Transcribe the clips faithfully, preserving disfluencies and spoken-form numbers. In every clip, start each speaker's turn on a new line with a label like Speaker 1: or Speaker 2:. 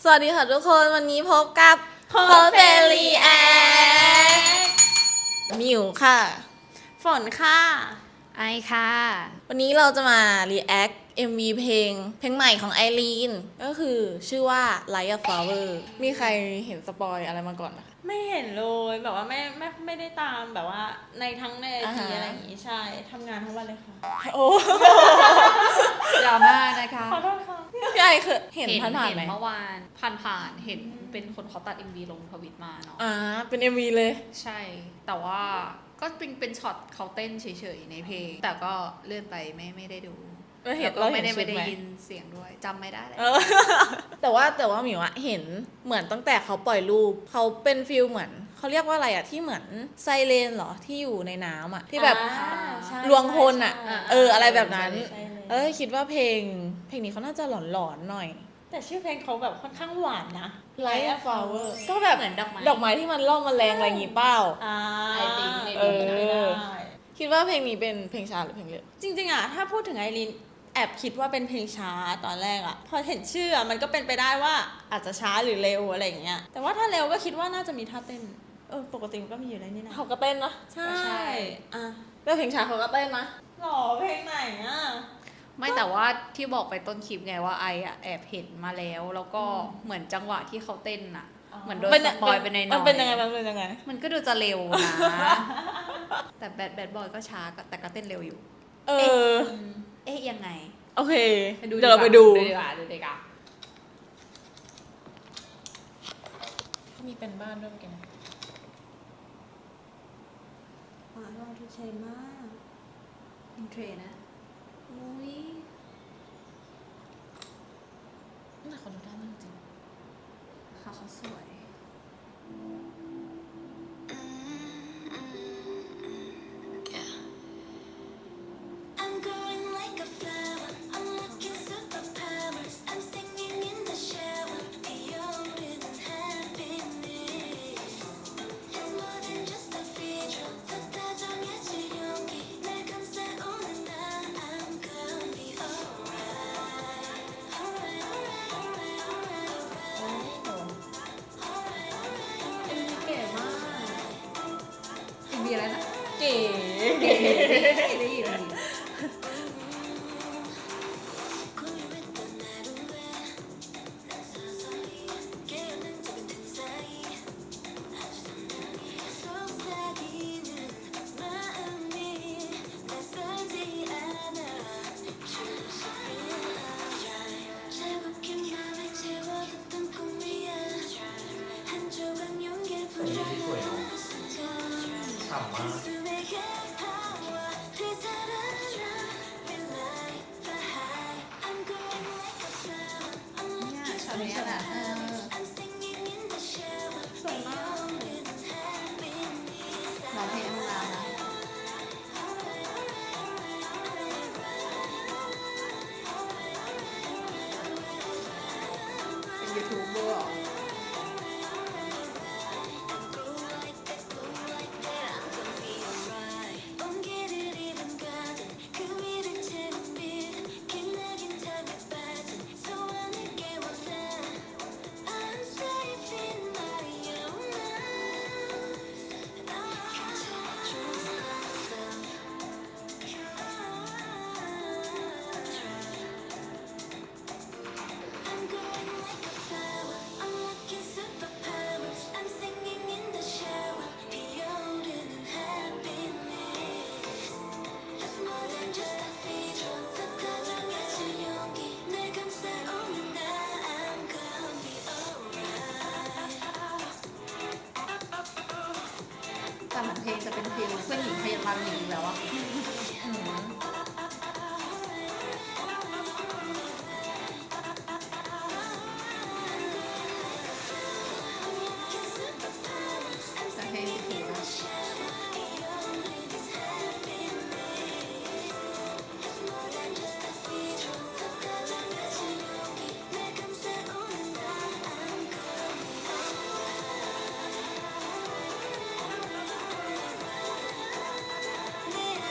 Speaker 1: สวัสดีค่ะทุกคนวันนี้พบกับโพสเฟรีแอคมิวค่ะ
Speaker 2: ฝนค่ะ
Speaker 3: ไอค่ะ
Speaker 1: วันนี้เราจะมารีแอค เอ็ม วี เพลงเพลงใหม่ของไอรีนก็คือชื่อว่า Like a Flower มีใครเห็นสปอยอะไรมาก่อนไหมคะ
Speaker 2: ไม่เห็นเลยแบบว่าไม่ไม่ไม่ได้ตามแบบว่าในทั้งในไอจี
Speaker 1: อ่าฮะ
Speaker 2: อะไรอย่างงี้ใช่ทำงานทั้งวันเลยค่ะ
Speaker 1: โอ้
Speaker 3: ดราม่านะคะ
Speaker 2: ขอโทษค่ะ
Speaker 1: พี่ไอเคยเห็นผ่านๆไหม
Speaker 3: เห็นเมื่อวานผ่านผ่านๆเห็นเป็นคนเขาตัด เอ็ม วี ลงทวิตมาเนาะ
Speaker 1: อ่าเป็น เอ็ม วี เลย
Speaker 3: ใช่ แต่ว่าก็เป็นเป็นช็อตเขาเต้นเฉยๆในเพลง แต่ก็เลื่อนไปไม่ไม่ได้ดู
Speaker 1: เราเห็น
Speaker 3: แล้วก็
Speaker 1: เราเห็
Speaker 3: ไม่
Speaker 1: น
Speaker 3: ได้
Speaker 1: ชุ
Speaker 3: ไม่
Speaker 1: ด
Speaker 3: ได้
Speaker 1: ไหม
Speaker 3: ยินเสียงด้วยจำไม่ได้เลย
Speaker 1: เออ แต่ว่าแต่ว่าหมิวอะเห็นเหมือนตั้งแต่เขาปล่อยรูปเขาเป็นฟิลเหมือนเขาเรียกว่าอะไรอะที่เหมือนไซเรนเหรอที่อยู่ในน้ำอะที่แบบ
Speaker 2: อ่าใช่
Speaker 1: ลวงพลอะ
Speaker 2: ใช่
Speaker 1: เอออะไรแบบนั้น
Speaker 2: ใช่เลย
Speaker 1: เออคิดว่าเพลง เพลงนี้เขาน่าจะหลอนๆหน่อย
Speaker 2: แต่ชื่อเพลงเขาแบบค่อนข้างหวานนะ
Speaker 1: Like a Flower ก็แบบ
Speaker 3: เหมือนดอกไม้
Speaker 1: ดอกไม้ที่มันล่อมแมลงอะไรอย่างงี้เปล่า
Speaker 2: อ่า
Speaker 3: I think maybe
Speaker 1: เออ
Speaker 2: ได้
Speaker 1: คิดว่าเพลงนี้เป็นเพลงช้าหรือเพลงเร็ว
Speaker 2: จริงๆอ่ะถ้าพูดถึงไอรีนแอบคิดว่าเป็นเพลงช้าตอนแรกอ่ะพอเห็นชื่ออะมันก็เป็นไปได้ว่าอาจจะช้าหรือเร็วอะไรอย่างเงี้ยแต่ว่าถ้าเร็วก็คิดว่าน่าจะมีท่าเต้นเออปกติมันก็มีอยู่แล้วนี่นะ
Speaker 1: เขาก็เต้นนะ
Speaker 2: ใช่อ่ะ
Speaker 1: แล้วเพลงช้าเขาก็เต้นนะ
Speaker 2: หรอเพลงไหนอ่ะ
Speaker 3: ไม่แต่ว่าที่บอกไปต้นคลิปไงว่าไออะแอบเห็นมาแล้ว แล้วก็เหมือนจังหวะที่เขาเต้นอะ
Speaker 2: อ๋อ
Speaker 3: เหมือนโดนสปอยไปในอยๆ
Speaker 1: มันเป็นยังไงมันเป็นยังไง
Speaker 3: มันก็ดูจะเร็วนะ แต่แบดแบดบอยก็ช้าก็แต่ก็เต้นเร็วอยู่
Speaker 1: เออ
Speaker 3: เอ๊ะยังไง
Speaker 1: โอเค เดี๋ยวเราไปดู
Speaker 3: ดีกว่าดูดีกว่า
Speaker 1: มีเป็นบ้านด้วยเมื่อกี้นะ
Speaker 2: อ่าลองทุกเชยมาก
Speaker 3: อินเทรนะ
Speaker 2: อุ้ย
Speaker 1: น่าขอดูได้มากจริง
Speaker 3: เขาเขาสวย
Speaker 4: I'm going like a flower. Unlocking superpowers. I'm singing in the shower. Beyond happiness. It's more than just a feature. 더 다정해질 용기. 날 감싸오는 나. I'm gonna be alright. Alright, alright, alright, alright, alright.
Speaker 2: เอ็มวีเก๋มาก
Speaker 3: อินเดียแล้วนะ
Speaker 1: เก๋
Speaker 3: ได้ยินดี
Speaker 4: 고요했던 하루에 난 서서히 깨어난 작은 틈 사이 아주 선명히 속삭이는 마음이 낯설지 않아 차갑게 맘을 채워뒀던 꿈이야 한 조각 용기를 불어넣은 순간 가슴에 가파와 되살아나 Relight the high I'm going like a flower I'm
Speaker 3: เนี่ย
Speaker 4: looking
Speaker 3: ช็อตนี้แหละเออ
Speaker 4: I'm singing in the shower Beyond happiness
Speaker 3: ร้องเพลงให้มันนานนะเป็นยูทูบเบอร์เหรอ
Speaker 4: Go like that, go like that I'm gonna be alright 온기를 입은 가든 그 위를 채운 빛 빛나긴 탐에 빠진 소원을 깨워놔 I'm safe in my own life 괜찮아 trust myself I'm going like a flower unlocking superpowers I'm singing in the shower 피어오르는 happiness It's more than just a feature 더 다정해질 용기 날 감싸오는 나 I'm gonna be alright
Speaker 3: แต่เหมือนเพลงจะเป็นฟิลเพื่อนหญิงพยาบาลหญิงแล้วอะแต่เพลงถือว่า
Speaker 4: It's more than just a feature 더 다정해질 용기 날 감싸오는 나 I'm gonna be alright 내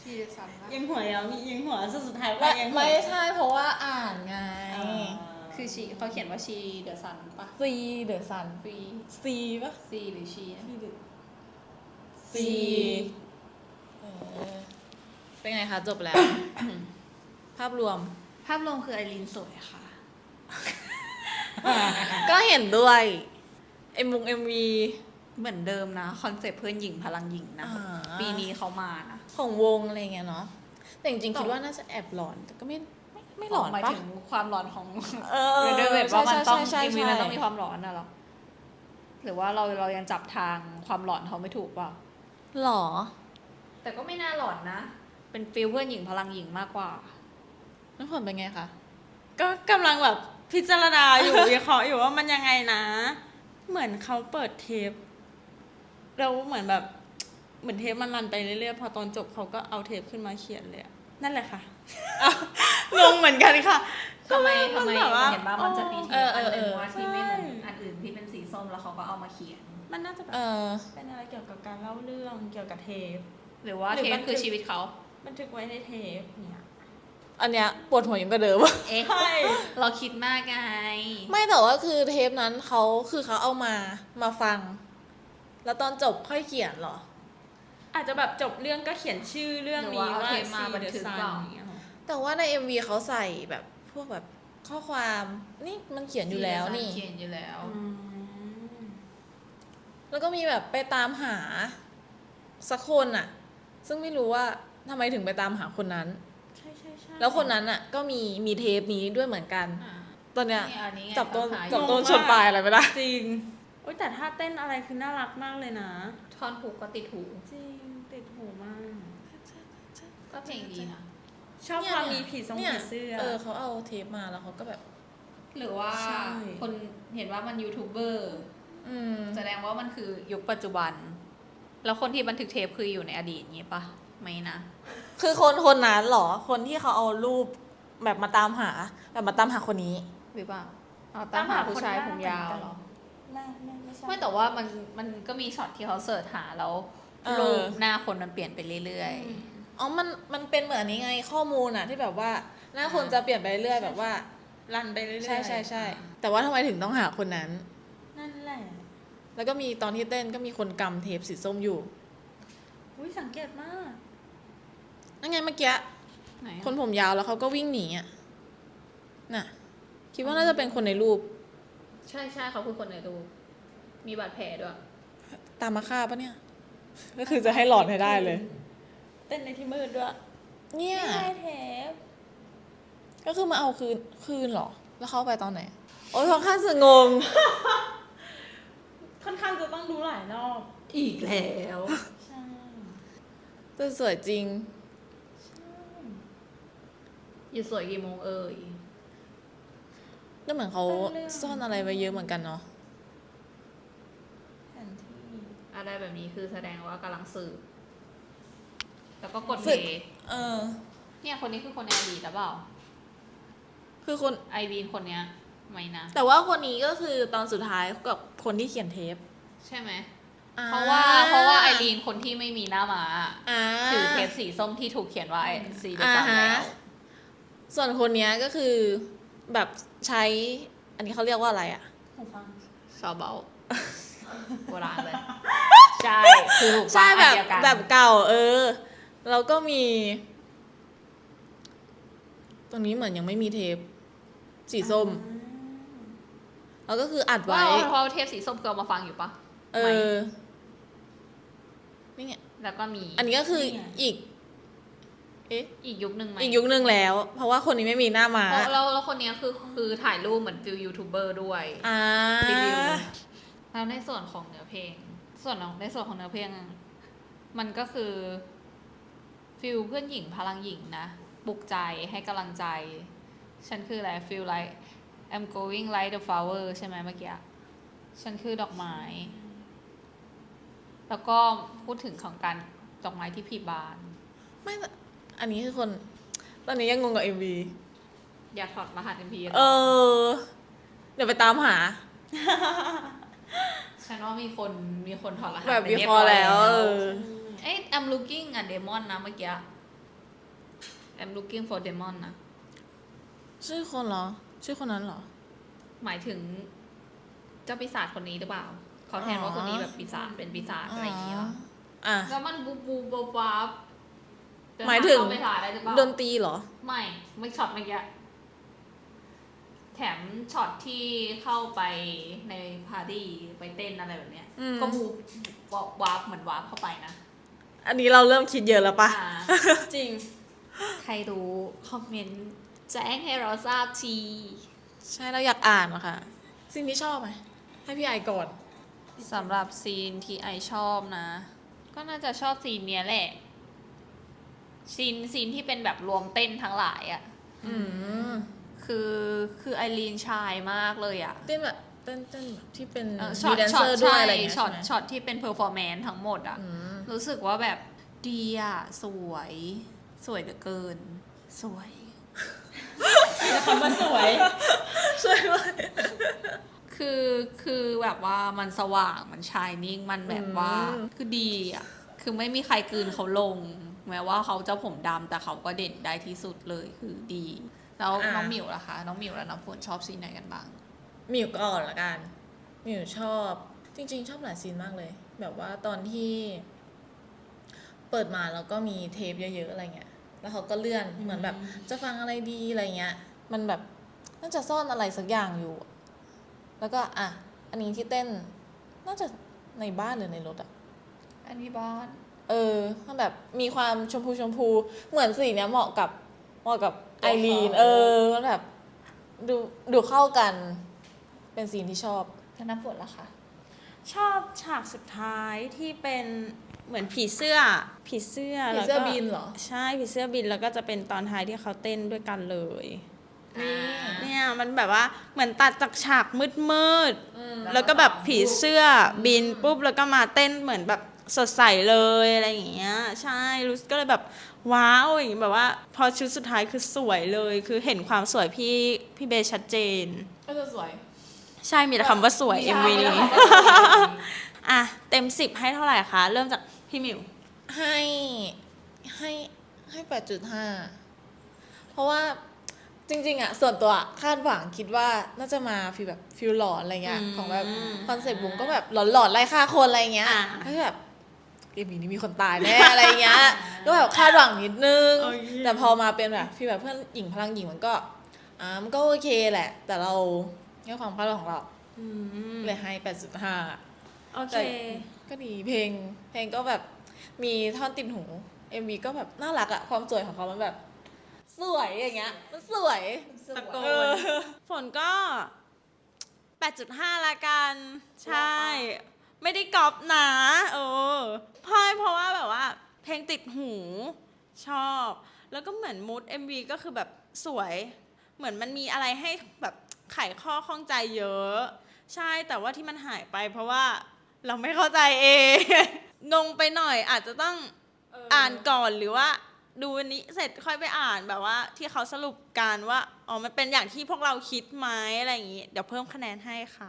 Speaker 3: ชีเดซันปะ
Speaker 2: ยิงหัวยาวมียิงหัวสุดสุดท้าย
Speaker 1: ไม่
Speaker 2: ว่ายิงหัว
Speaker 1: ไม่ใช่เพราะว่าอ่านไง
Speaker 2: อ่า
Speaker 3: คือชีเขาเขียนว่าชีเดอะซันปะ
Speaker 1: ซีเดอะซัน
Speaker 3: ฟรี
Speaker 1: ซีปะ
Speaker 3: ซีหรือชีนะ
Speaker 1: ซีเออเป็นไงคะจบแล้ว ภาพรวม
Speaker 3: ภาพรวมคือไอรีนสวยค่ะ
Speaker 1: ก็เห็นด้วยเอ็มวงเอ็มวี
Speaker 3: เหมือนเดิมนะคอนเซ็ปต์เพื่อนหญิงพลังหญิงนะ
Speaker 1: อ่า
Speaker 3: ปีนี้เขามานะ
Speaker 1: ของวงอะไรเงี้ยเนาะแต่จริงๆคิดว่าน่าจะแอบหลอน แต่ก็ไม่ไม่ไม่หลอน
Speaker 3: หมาย
Speaker 1: ปะ
Speaker 3: ถึงความร้อนของ
Speaker 1: เออ
Speaker 3: เรเดอร์เวทว่ามันต้อง
Speaker 1: ใช่ใช่
Speaker 3: เอ็มวี
Speaker 1: ใช่
Speaker 3: มันต้องมีความร้อนนะหรอหรือว่าเราเรายังจับทางความหลอนเขาไม่ถูกเปล่า
Speaker 1: หรอ
Speaker 3: แต่ก็ไม่น่าหลอนนะ เป็นฟิลเพื่อนหญิงพลังหญิงมากกว่า
Speaker 1: น้ำฝนเป็นไงคะ
Speaker 2: ก็กำลังแบบพิจารณาอยู่ วิเคราะห์อยู่ว่ามันยังไงนะ เหมือนเขาเปิดเทปแล้วเหมือนแบบเหมือนเทปมันรันไปเรื่อยๆพอตอนจบเขาก็เอาเทปขึ้นมาเขียนเลยอะนั่นแหละค่ะ งงเหมือนกันค่ะ
Speaker 3: ทำไมทำไม
Speaker 2: นแบบว่า
Speaker 3: เห็นว่ามันจะมีเท
Speaker 1: เอ
Speaker 3: ป
Speaker 1: อ
Speaker 3: อันห
Speaker 1: เอ
Speaker 3: นึ่ง
Speaker 1: อ
Speaker 3: ว่าที่ไม่เหมือน
Speaker 2: ใช่
Speaker 3: อันอื่นที่เป็นสีส้มแล้วเขาก็เอามาเขียน
Speaker 2: มันน่าจะแบบ
Speaker 1: เออ
Speaker 2: เป็นอะไรเกี่ยวกับการเล่าเรื่องเกี่ยวกับเทป
Speaker 3: หรือว่า
Speaker 2: หรือ
Speaker 3: เท
Speaker 2: มั
Speaker 3: ป
Speaker 2: น
Speaker 3: คือ
Speaker 2: คือ
Speaker 3: ชีวิตเขา
Speaker 2: บันทึกไว้ในเทปเนี่ย
Speaker 1: อันเนี้ยปวดหัวยิ่งกว่าเดิม
Speaker 3: เอ๊ะ
Speaker 2: ใช่
Speaker 3: เราคิดมากไง
Speaker 1: ไม่แต่ว่าคือเทปนั้นเขาคือเขาเอามามาฟัง แล้วตอนจบค่อยเขียนเหรอ
Speaker 2: อาจจะแบบจบเรื่องก็เขียนชื่อเรื่องนี้
Speaker 3: หรือว่า
Speaker 2: ว่า
Speaker 3: เอาเทปมา
Speaker 2: See
Speaker 3: บัน
Speaker 2: the
Speaker 3: ทึก
Speaker 2: Sun
Speaker 3: เปล่า
Speaker 2: อย่างเงี้ยหรอ
Speaker 1: แต่ว่าใน เอ็ม วี เขาใส่แบบพวกแบบข้อความนี่มันเขียนอยู่แล้วนี่
Speaker 3: เขียนอยู่แล้ว
Speaker 2: อืม
Speaker 1: แล้วก็มีแบบไปตามหาสักคนอะซึ่งไม่รู้ว่าทำไมถึงไปตามหาคนนั้น
Speaker 2: ใช่ใช่ใช่
Speaker 1: แล้วคนนั้นอะก็มีมีเทปนี้ด้วยเหมือนกัน
Speaker 3: อ่า
Speaker 1: ตอนเนี้ย
Speaker 3: นี่อันนี้ไง
Speaker 1: จับต้น
Speaker 3: ตามหาอยู่
Speaker 1: จับต้นชนปลายอะไรไม่ได้
Speaker 2: จริงโอ๊ยแต่ท่าเต้นอะไรคือน่ารักมากเลยนะ
Speaker 3: ท่อนผูกก็ติดหู
Speaker 2: จริงติดหูมาก
Speaker 3: ก็เพลงดีนะ
Speaker 2: ชอบความมีผีทรง
Speaker 1: นี่ย
Speaker 2: ผีเสื้อ
Speaker 1: เออเขาเอาเทปมาแล้วเขาก็แบบ
Speaker 3: หรือว่า
Speaker 2: ใช่
Speaker 3: คนเห็นว่ามันยูทูบเบอร์
Speaker 1: อืม
Speaker 3: แสดงว่ามันคือยุคปัจจุบัน แล้วคนที่บันทึกเทปคืออยู่ในอดีตงี้ปะไม่นะ
Speaker 1: คือคนคนนั้นเหรอ คนที่เขาเอารูปแบบมาตามหา แบบมาตามหาคนนี้
Speaker 3: หรือเปล่าเอาตามหาผู้ชายผมยาวเหรอ
Speaker 2: ไม่ไม่ไม่ใช่
Speaker 3: ไม่แต่ว่ามันมันก็มีช็อตที่เขาเสิร์ชหาแล้ว
Speaker 1: เออ
Speaker 3: รูปหน้าคนมันเปลี่ยนไปเรื่อย
Speaker 1: อ๋อ มัน มันเป็นเหมือนอันนี้ไงข้อมูลอะที่แบบว่าหน้าคนจะเปลี่ยนไปเรื่อยๆแบบว่า
Speaker 2: รันไปเรื่อยๆ
Speaker 1: ใช่ใช่ใช่ แต่ว่าทำไมถึงต้องหาคนนั้น
Speaker 2: นั่นแหละ
Speaker 1: แล้วก็มีตอนที่เต้นก็มีคนกำเทปสีส้มอยู่
Speaker 2: อุ้ยสังเกตมาก
Speaker 1: นั่นไงเมื่อกี้
Speaker 3: ๆไหนอะ
Speaker 1: คนผมยาวแล้วเขาก็วิ่งหนีอะน่ะ คิดว่าน่าจะเป็นคนในรูป
Speaker 3: ใช่ใช่เขาคือคนในรูปมีบาดแผลด้วย
Speaker 1: ตามมาฆ่าปะเนี่ย ก็คือจะให้หลอนให้ได้เลย
Speaker 2: เต้นในที่มืดด้วย
Speaker 1: เนี่ย
Speaker 2: ไม่ใช่เทป
Speaker 1: ก็คือมาเอาคืน คืนเหรอ แล้วเขาไปตอนไหน โอ๊ยค่อนข้างจะงง
Speaker 2: ค่อนข้างจะต้องดูหลายรอบ
Speaker 3: อีกแล้ว
Speaker 2: ใช่
Speaker 1: แต่สวยจริง
Speaker 3: อยู่สวยกี่โมงเอ่ย
Speaker 1: ก็เหมือนเขาซ่อนอะไรไว้เยอะเหมือนกันเนาะ
Speaker 2: แผนที่
Speaker 3: อะไรแบบนี้คือแสดงว่ากำลังสืบแล้วก็กด
Speaker 1: สื
Speaker 3: เพ
Speaker 1: บ
Speaker 3: ย์
Speaker 1: เออ
Speaker 3: เนี่ยคนนี้คือคนในอดีตหรือเปล่า
Speaker 1: คือคน
Speaker 3: ไอวีนคนเนี้ยไม่นะ
Speaker 1: แต่ว่าคนนี้ก็คือตอนสุดท้ายกับคนที่เขียนเทป
Speaker 3: ใช่ไหม
Speaker 1: อ่
Speaker 3: เพราะว่าเพราะว่าไอรีนคนที่ไม่มีหน้ามา
Speaker 1: อ่า
Speaker 3: ถือเทปสีส้มที่ถูกเขียนว่าซีเด
Speaker 1: อ่า
Speaker 3: ซัน
Speaker 1: ฮะ
Speaker 3: แล้ว
Speaker 1: ส่วนคนเนี้ยก็คือแบบใช้ อันนี้เขาเรียกว่าอะไรอะ
Speaker 2: หูฟัง
Speaker 3: ซอเบลโบราณเลย ใช่ คือถูก
Speaker 1: ใช่
Speaker 3: ฟัง
Speaker 1: แบบ
Speaker 3: อันเดียวกัน
Speaker 1: แบบเก่า เออ แล้วก็มี ตรงนี้เหมือนยังไม่มีเทป สีส้ม แล้วก็คืออัด
Speaker 3: ว่า
Speaker 1: ไว้
Speaker 3: เพราะเทปสีส้มคือเอามาฟังอยู่ปะ
Speaker 1: เออ นี่ไง
Speaker 3: แล้วก็มี
Speaker 1: อันนี้ก็คืออีก เอ๊ะ
Speaker 3: อีกยุคหนึ่งไหม
Speaker 1: อีกยุคนึงแล้ว เพราะว่าคนนี้ไม่มีหน้ามา
Speaker 3: เพราะแล้วแล้วคนเนี้ยคือคือถ่ายรูปเหมือนฟิลยูทูบเบอร์ด้วย
Speaker 1: อ่า
Speaker 3: รีวิวแล้วในส่วนของเนื้อเพลง ส่วนของในส่วนของเนื้อเพลง มันก็คือฟิลเพื่อนหญิงพลังหญิงนะปลุกใจให้กำลังใจ ฉันคืออะไร feel like I'm going like the flower ใช่ไหมเมื่อกี้ ฉันคือดอกไม้ แล้วก็พูดถึงของการดอกไม้ที่ผลิบาน
Speaker 1: ไม่แต่อันนี้คือคน ตอนนี้ยังงงกับเอ็มวี
Speaker 3: อยากถอดรหัส เอ็ม พี
Speaker 1: เออ เดี๋ยวไปตามหา
Speaker 3: ฉันว่ามีคนมีคนถอดรหัส
Speaker 1: แบบ
Speaker 3: ไป
Speaker 1: วิ
Speaker 3: รีย
Speaker 1: เคราะห์
Speaker 3: ร้อย
Speaker 1: แล้ว เออ
Speaker 3: เอ้ย I'm looking at demon นะเมื่อกี้ I'm looking for demon นะ
Speaker 1: ชื่อคนเหรอ ชื่อคนนั้นเหรอ
Speaker 3: หมายถึงเจ้าปีศาจคนนี้หรือเปล่า เขาแทนว่าคนนี้แบบปีศาจเป็นปีศาจอะไรอย่างเงี้ย
Speaker 1: อ่ะ
Speaker 3: แล้วมันบูบูบูบับ
Speaker 1: หมายถึง
Speaker 3: เข้าไปถ่ายได้หรือเปล่า
Speaker 1: ดนตรีเหรอ
Speaker 3: ไม่ไม่ช็อตเมื่อกี้แถมช็อตที่เข้าไปในพาร์ตี้ไปเต้นอะไรแบบเนี้ย
Speaker 1: อืม
Speaker 3: ก็บูบอกวาร์ปเหมือนวาร์ปเข้าไปนะ
Speaker 1: อันนี้เราเริ่มคิดเยอะแล้วปะ
Speaker 3: อ่า
Speaker 2: จริง
Speaker 3: ใครรู้คอมเมนต์แจ้งให้เราทราบที
Speaker 1: ใช่เราอยากอ่านอะค่ะสิ่งที่ชอบไหมให้พี่ไอก่อน
Speaker 3: สำหรับซีนที่ไอชอบนะ ก็น่าจะชอบซีนเนี้ยแหละ ซีนซีนที่เป็นแบบรวมเต้นทั้งหลายอะ่ะ
Speaker 1: อืม
Speaker 3: คือคือไอรีนชายมากเลยอะ่ะ
Speaker 1: เต้นแบบเต้นเต้นแบบที่เป็น
Speaker 3: เออ
Speaker 1: มี
Speaker 3: ช็อต
Speaker 1: แดน
Speaker 3: ช็
Speaker 1: เซ
Speaker 3: อ
Speaker 1: อ
Speaker 3: ต
Speaker 1: ร์ด้วย
Speaker 3: ใช่
Speaker 1: อะไรอย่างเงี้ย
Speaker 3: ช็อต
Speaker 1: ใช่ไหม
Speaker 3: ช็อตที่เป็นเพอร์ฟอร์แมนซ์ทั้งหมดอะ่ะ
Speaker 1: อืม
Speaker 3: รู้สึกว่าแบบดีอะ่ะ สวย สวยเหลือเกิน สวย
Speaker 2: คำว่าสวย
Speaker 1: ช่วยด้วย
Speaker 3: คือคือแบบว่ามันสว่างมันชายนิ่งมันแบบว่า
Speaker 1: อืม
Speaker 3: คือดีอ่ะคือไม่มีใครกลืนเขาลง แม้ว่าเขาจะผมดำแต่เขาก็เด่นได้ที่สุดเลยคือดี แล้วน้องหมิวล่ะคะ น้องหมิวและน้องฝนชอบซีนไหนกันบ้าง
Speaker 1: มิวก่อนละกันมิวชอบ จริง ๆ ชอบหลายซีนมากเลย แบบว่าตอนที่ เปิดมาแล้วก็มีเทปเยอะๆอะไรเงี้ย แล้วเขาก็เลื่อนเหมือนแบบ จะฟังอะไรดีอะไรเงี้ย มันแบบน่าจะซ่อนอะไรสักอย่างอยู่ แล้วก็อ่ะอันนี้ที่เต้น น่าจะในบ้านหรือในรถอะ
Speaker 3: อันนี้บ้าน
Speaker 1: เออมันแบบมีความชมพูชมพู เหมือนสีเนี้ยเหมาะกับเหมาะกับไอรีน เออมันแบบดูดูเข้ากัน เป็นซีนที่ชอบ
Speaker 3: แล้วน้ำฝนล่ะคะ
Speaker 2: ชอบฉากสุดท้ายที่เป็นเหมือนผีเสื้อ ผีเสื้อ
Speaker 1: ผี
Speaker 2: แล้ว
Speaker 1: เสื้อ
Speaker 2: ก็
Speaker 1: บินเหรอ
Speaker 2: ใช่ผีเสื้อบินแล้วก็จะเป็นตอนท้ายที่เขาเต้นด้วยกันเลย
Speaker 1: นี่
Speaker 2: เนี่ยมันแบบว่าเหมือนตัดจากฉากมืดมืดๆ
Speaker 1: อืม
Speaker 2: แล้วก็แบบผีเสื้อบินปุ๊บแล้วก็มาเต้นเหมือนแบบสดใสเลยอะไรอย่างเงี้ยใช่รู้สึกก็เลยแบบว้าวอย่างงี้แบบว่า พอชุดสุดท้ายคือสวยเลย คือเห็นความสวยพี่พี่เบสชัดเจน
Speaker 1: ก็จะสวย
Speaker 2: ใช่มีแต่คำว่าสวย
Speaker 1: ใช่
Speaker 2: เอ็มวีนี้ อ่ะเต็มสิบให้เท่าไหร่คะเริ่มจากพี่หมิว
Speaker 1: ให้ให้ให้แปดจุดห้าเพราะว่าจริงๆอะส่วนตัวอะคาดหวังคิดว่าน่าจะมาฟีลแบบฟิลหลอนอะไรเงี้ย
Speaker 2: อืม
Speaker 1: ของแบบคอนเซ็ปต์บุ้งก็แบบหลอนๆไล่ฆ่าคนอะไรเงี้ย
Speaker 2: อ่า
Speaker 1: ก็แบบเอ็มวีนี้มีคนตายแน่อะไรเงี้ย ก็แบบคาดหวังนิดนึง
Speaker 2: โอเค
Speaker 1: แต่พอมาเป็นแบบฟีลแบบเพื่อนหญิงพลังหญิงมันก็อ่ามันก็โอเคแหละ แต่เราในความคาดหวังของเรา
Speaker 2: อืม
Speaker 1: เลยให้แปดจุดห้า
Speaker 2: โอเค
Speaker 1: แต่ก็ดีเพลง เพลงก็แบบมีท่อนติดหู เอ็ม วี ก็แบบน่ารักอะความสวยของเขามันแบบ สวยอย่างเงี้ย มันสวย
Speaker 2: ตะโก
Speaker 1: เอน อ
Speaker 2: ฝนก็ แปดจุดห้า ละกัน ใช่ ไม่ได้ก๊อปนะเออเพราะเพราะว่าแบบว่า เพลงติดหู ชอบ แล้วก็เหมือนมูด เอ็ม วี ก็คือแบบสวย เหมือนมันมีอะไรให้แบบไขข้อข้องใจเยอะ ใช่ แต่ว่าที่มันหายไปเพราะว่าเราไม่เข้าใจเอง งงไปหน่อยอาจจะต้องอ่านก่อนหรือว่าดูอันนี้เสร็จค่อยไปอ่านแบบว่าที่เขาสรุปกันว่าอ๋อมันเป็นอย่างที่พวกเราคิดไหมอะไรอย่างงี้ เดี๋ยวเพิ่มคะแนนให้ค่ะ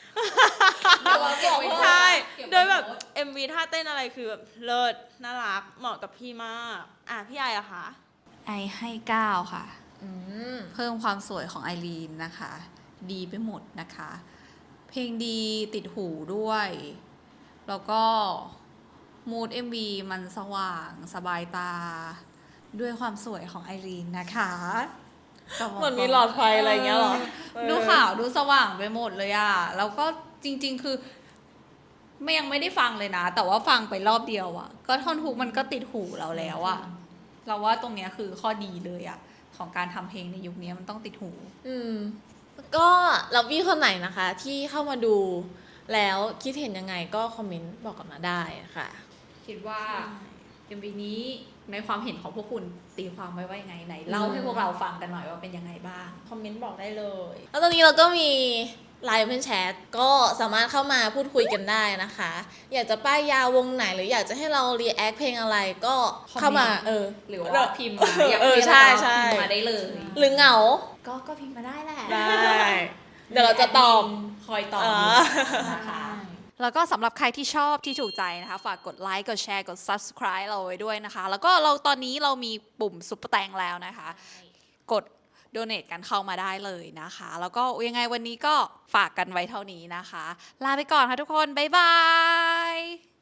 Speaker 2: ใช่ โดยแบบ เอ็ม วี ท่าเต้นอะไรคือแบบเลิศน่ารักเหมาะกับพี่มาก อ่ะพี่ไออะคะ
Speaker 3: ไอให้เก้าค่ะ
Speaker 1: อืม
Speaker 3: เพิ่มความสวยของไอรีนนะคะ ดีไปหมดนะคะ เพลงดีติดหูด้วย แล้วก็มูด เอ็ม วี มันสว่างสบายตา ด้วยความสวยของไอรีนนะคะ
Speaker 1: เหมือนมีหลอดไฟอะไรเงี้ยเหรอ
Speaker 3: ดูขาวดูสว่างไปหมดเลยอะแล้วก็จริง ๆ คือไม่ยังไม่ได้ฟังเลยนะ แต่ว่าฟังไปรอบเดียวอะก็ท่อนฮุกมันก็ติดหูเราแล้วอะเราว่าตรงเนี้ยคือข้อดีเลยอะของการทำเพลงในยุคนี้มันต้องติดหู
Speaker 1: อืม ก็ลับบี้คนไหนนะคะ ที่เข้ามาดู แล้วคิดเห็นยังไงก็คอมเมนต์บอกกันมาได้ค่ะ
Speaker 3: คิดว่า เอ็ม วี นี้ในความเห็นของพวกคุณตีความไว้ว่ายังไงไหนเล่าให้พวกเราฟังกันหน่อยว่าเป็นยังไงบ้าง
Speaker 2: คอมเมนต์บอกได้เลย
Speaker 1: แล้วตอนนี้เราก็มีไลน์เป็นแชทก็สามารถเข้ามาพูดคุยกันได้นะคะ อยากจะป้ายยาวงไหนหรืออยากจะให้เรารีแอคเพลงอะไรก็เข้ามา
Speaker 3: คอมเมนต์
Speaker 1: เออ
Speaker 3: หรือว่าพิมพ์มาอยาก
Speaker 1: เออ
Speaker 3: พิมพ์
Speaker 1: ใช่
Speaker 3: อะไรก็
Speaker 1: ใช่
Speaker 3: พิมพ์มาได้เลย
Speaker 1: หรือเหงา
Speaker 3: ก็ก็พิมพ์มาได้แหละ
Speaker 1: ได้ เดี๋ยวเราจะตอบ
Speaker 3: คอยตอบ
Speaker 1: อ๋อ
Speaker 3: นะคะแล้วก็สำหรับใครที่ชอบที่ถูกใจนะคะฝากกดไลค์กดแชร์กด subscribe เราไว้ด้วยนะคะ แล้วก็เราตอนนี้เรามีปุ่มซุปเปอร์แตงแล้วนะคะ กด donate กันเข้ามาได้เลยนะคะ แล้วก็ยังไงวันนี้ก็ฝากกันไว้เท่านี้นะคะ ลาไปก่อนค่ะทุกคน บ๊ายบาย